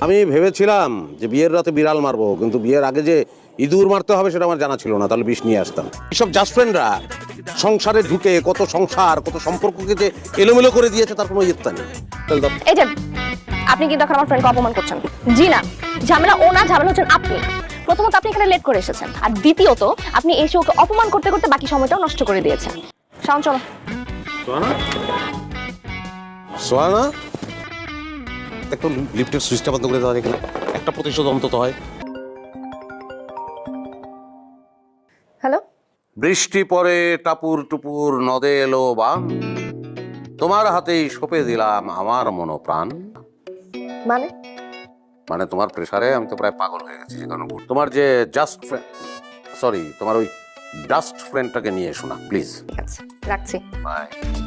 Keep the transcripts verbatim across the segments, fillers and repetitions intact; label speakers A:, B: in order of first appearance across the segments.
A: আমি ভেবেছিলাম যে বিয়ের রাতে বিড়াল মারবো, কিন্তু বিয়ের আগে যে ইঁদুর মারতে হবে সেটা আমার জানা ছিল না, তাহলে বিষ নিয়ে আসতাম। এসব জাস্ট ফ্রেন্ডরা সংসারে ঢুকে কত সংসার কত সম্পর্ককে যে এলোমেলো করে দিয়েছে তার কোনো ইয়ত্তা নেই।
B: এই যে আপনি কিন্তু এখন আমার ফ্রেন্ডকে অপমান করছেন। জি না, ঝামেলা ও না, ঝামেলা হচ্ছেন আপনি। প্রথমত আপনি এখানে লেট করে এসেছেন, আর দ্বিতীয়ত আপনি এসে ওকে অপমান করতে করতে বাকি সময়টাও নষ্ট করে দিয়েছেন। শাওন চলো।
A: সোহানা, সোহানা একটু লিফটের সুইচটা বন্ধ করে দেওয়া এখানে একটা প্রতিশোধ অন্তত হয়।
B: হ্যালো।
A: বৃষ্টি পরে টাপুর টুপুর নদে এলো বান, তোমার হাতেই সঁপে দিলাম আমার মনোপ্রাণ।
B: মানে
A: মানে তোমার প্রেসারে আমি তো প্রায় পাগল হয়ে গেছি। কারণ তোমার যে জাস্ট ফ্রেন্ড, সরি তোমার ওই ডাস্ট ফ্রেন্ডটাকে নিয়ে এসো না প্লিজ।
B: ঠিক আছে, রাখছি।
A: বাই।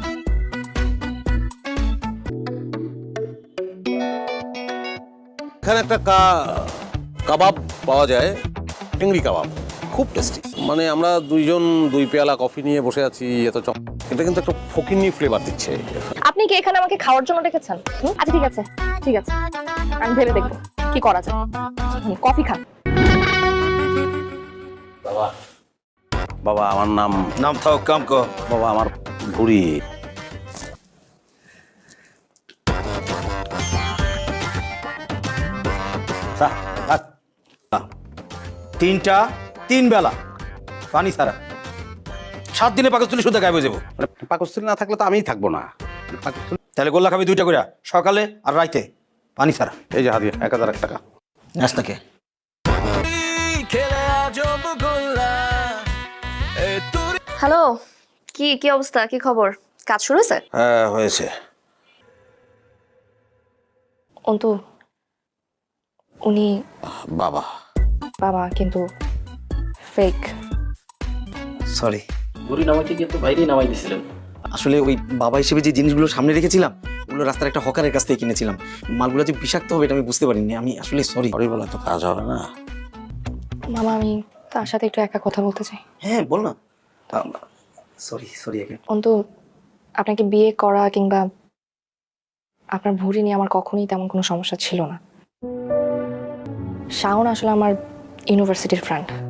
A: এখানে একটা কাবাব পাওয়া যায়, চিংড়ি কাবাব, খুব টেস্টি। মানে আমরা দুইজন দুই পেয়ালা কফি নিয়ে বসে আছি, এত চপ, এটা কিন্তু একটা ফকিন্নি ফ্লেভার দিচ্ছে।
B: আপনি কি এখানে আমাকে খাওয়ার জন্য ডেকেছেন? আচ্ছা ঠিক আছে, ঠিক আছে, আমি ভেবে দেখবো কি করা যায়। কফি খান।
A: বাবা, বাবা আমার নাম
C: নাম থাও কাম কো।
A: বাবা আমার বুড়ি।
C: তিনটা তিন বেলা পানি ছাড়া সাত দিনে পাকস্থলী শুদ্ধ গায়েব হয়ে যাবো।
A: মানে পাকস্থলী না থাকলে তো আমিই থাকবো না। পাকস্থলী
C: তাহলে গোল্লা খাবি দুইটা করে, সকালে আর রাইতে, পানি ছাড়া।
A: এই যে হাদিয়া এক হাজার এক টাকা।
C: নাস্তাকে
B: হ্যালো, কি কি অবস্থা, কি খবর? কাজ শুরু হয়েছে?
A: হ্যাঁ হয়েছে।
B: অন্তু, উনি
A: বাবা
B: বাবা কিন্তু ফেক।
C: সরি,
D: বুড়ি নামাইতে গিয়ে তো বাইরেই নামাই দিছিলেন।
C: আসলে ওই বাবা হিসেবে যে জিনিসগুলো সামনে রেখেছিলাম ওগুলো রাস্তার একটা হকারের কাছ থেকে কিনেছিলাম। মালগুলো যে বিষাক্ত হবে এটা আমি বুঝতে পারিনি। আমি আসলে সরি।
A: সরি বলে তো কাজ হবে না।
B: মামা, আমি তার সাথে একটু একা কথা বলতে চাই।
C: হ্যাঁ বল না। সরি সরি আগে।
B: অন্তু, আপনাকে বিয়ে করা কিংবা আপনার ভুঁড়ি নিয়ে আমার কখনোই তেমন কোনো সমস্যা ছিল না। শাওন আসলে আমার ইউনিভার্সিটির ফ্রেন্ড।